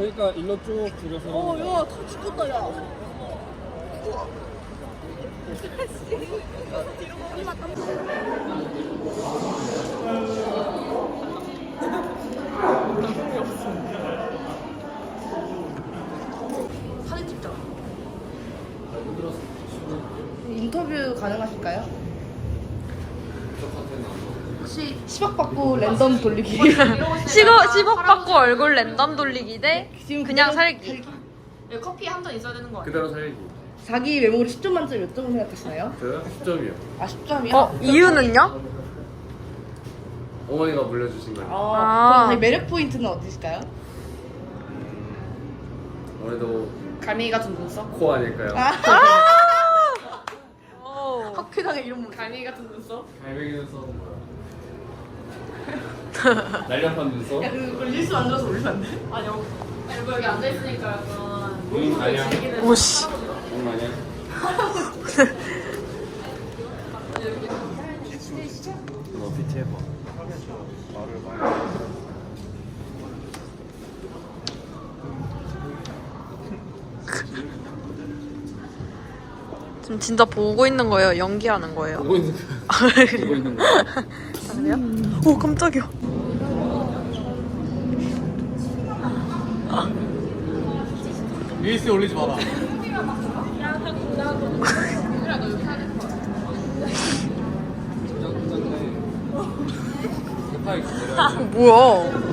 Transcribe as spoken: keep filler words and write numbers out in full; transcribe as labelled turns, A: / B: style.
A: 그러니까 일로 쭉 줄여서.
B: 어, 야, 다 죽었다, 야. 사진 찍자. 인터뷰 가능하실까요? 혹시 십억 받고 랜덤 돌리기.
C: 십억, 십억 받고 얼굴 랜덤 돌리기 대
B: 지금
C: 그냥
B: 그대로
C: 살기.
D: 커피 한 잔 있어야 되는 거 아니야?
A: 그대로 살기.
B: 자기 외모를 십 점 만점 몇 점을 생각하시나요?
A: 저요? 십 점이요.
B: 아, 십 점이요?
C: 어, 이유는요?
A: 어머니가 물려주신 거예요.
B: 아,
C: 아.
B: 그럼 자기 매력 포인트는 어디실까요?
A: 아무래도
D: 갈매기 같은 눈썹?
A: 코 아닐까요?
B: 아,
C: 오.
B: 학회장에 이런 분.
D: 갈매기 같은 눈썹?
A: 갈매기 눈썹은 뭐야? 날렵한 눈썹?
B: 야, 그거 릴스 만들어서 올리면 안 돼?
D: 아니 여기 여기, 여기 앉아있으니까 약간
A: 응, 아니야.
C: 오씨.
A: 응, 아니야. 너 피티 해봐. 말을 많이.
C: 지금 진짜 보고 있는 거예요? 연기하는 거예요?
A: 보고 있는 거. 보고 있는 거.
C: 아, 그래요? 오, 깜짝이야.
A: 릴스 올리지 마라.
C: 뭐야?